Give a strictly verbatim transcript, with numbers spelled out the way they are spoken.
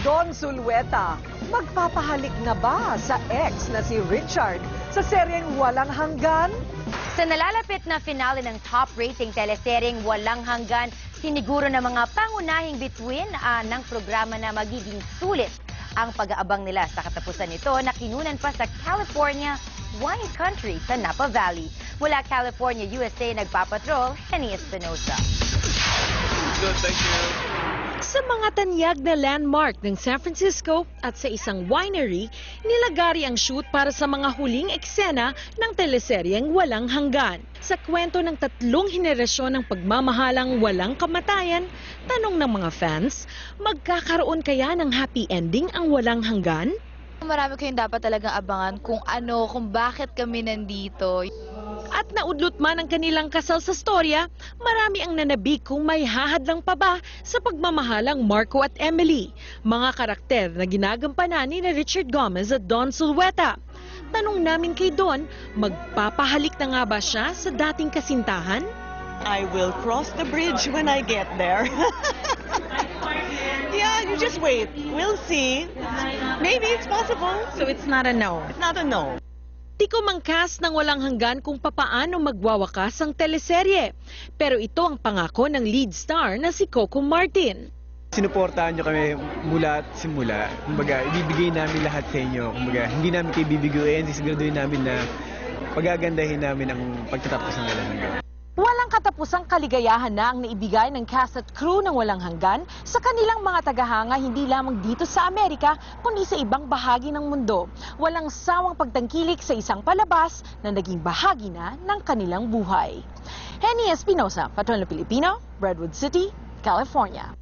Don Zulueta, magpapahalik na ba sa ex na si Richard sa seryeng Walang Hanggan? Sa nalalapit na finale ng top-rating teleseryeng Walang Hanggan, siniguro ng mga pangunahing bituin uh, ng programa na magiging sulit ang pag-aabang nila sa katapusan nito na kinunan pa sa California wine country sa Napa Valley. Mula California, U S A, nagpapatrol, Henny Espinosa. Good, thank you. Sa mga tanyag na landmark ng San Francisco at sa isang winery, nilagari ang shoot para sa mga huling eksena ng teleseryeng Walang Hanggan. Sa kwento ng tatlong henerasyon ng pagmamahalang walang kamatayan, tanong ng mga fans, magkakaroon kaya ng happy ending ang Walang Hanggan? Marami kayong dapat talagang abangan kung ano, kung bakit kami nandito. At naudlot man ang kanilang kasal sa storya, marami ang nanabik kung may hahadlang pa ba sa pagmamahalang Marco at Emily, mga karakter na ginagampanan ni Richard Gomez at Don Zulueta. Tanong namin kay Don, magpapahalik na nga ba siya sa dating kasintahan? I will cross the bridge when I get there. Yeah, you just wait. We'll see. Maybe it's possible. So it's not a no? It's not a no. Di ko mangkas ng Walang Hanggan kung papaano magwawakas ang teleserye. Pero ito ang pangako ng lead star na si Coco Martin. Sinuportahan nyo kami mula at simula. Kumbaga, ibibigay namin lahat sa inyo. Kumbaga, hindi namin kayo bibiguin. Sisiguraduhin namin na pagagandahin namin ang pagtatapos ng Walang Hanggan. Walang katapusang kaligayahan na ang naibigay ng cast at crew ng Walang Hanggan sa kanilang mga tagahanga hindi lamang dito sa Amerika kundi sa ibang bahagi ng mundo. Walang sawang pagtangkilik sa isang palabas na naging bahagi na ng kanilang buhay. Henny Espinosa, Patrol na Pilipino, Redwood City, California.